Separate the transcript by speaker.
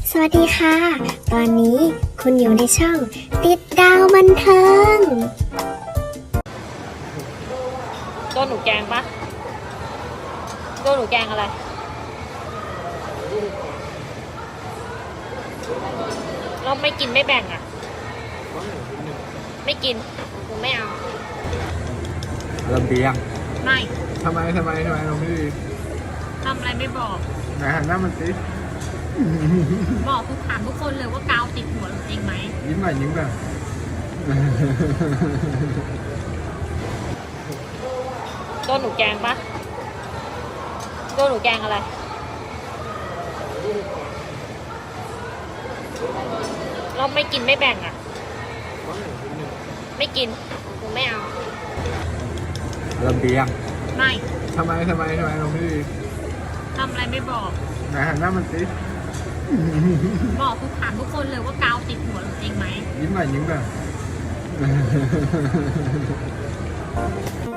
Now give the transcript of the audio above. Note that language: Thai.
Speaker 1: สวัสดีค่ะ ตอนนี้คุณอยู่ในช่องติดดาวบันเทิง
Speaker 2: โดนหนูแกงปะโดนหนูแกงอะไรเราไม่กินไม่แบ่งอ่ะ ไม่กินหนูไม่เอา
Speaker 3: ระเบียง
Speaker 2: ไม่
Speaker 3: ทำไมเราไม่ดี
Speaker 2: ทำอะไรไม่บอก
Speaker 3: ไหนหันหน้ามันสิ
Speaker 2: บอกทุกถามทุกคนเลยว่ากาวติดหัวหนูจริงไหม
Speaker 3: ยิ้มหน่อยยิ้มหน่อย
Speaker 2: โดนหนูแกงปะโดนหนูแกงอะไร เราไม่กินไม่แบ่งอ่ะ ไม่กินหนูไม่เอา
Speaker 3: ระเบียง
Speaker 2: ไม่
Speaker 3: ทำไมเราไม่ดี
Speaker 2: ทำอะไรไม่บอก
Speaker 3: ไหนหันหน้ามันสิ
Speaker 2: บอกทุกถามทุกคนเลยว่ากาวติดหัวหนูจริงไหม
Speaker 3: ยิ้มหน่อยยิ้มหน่อย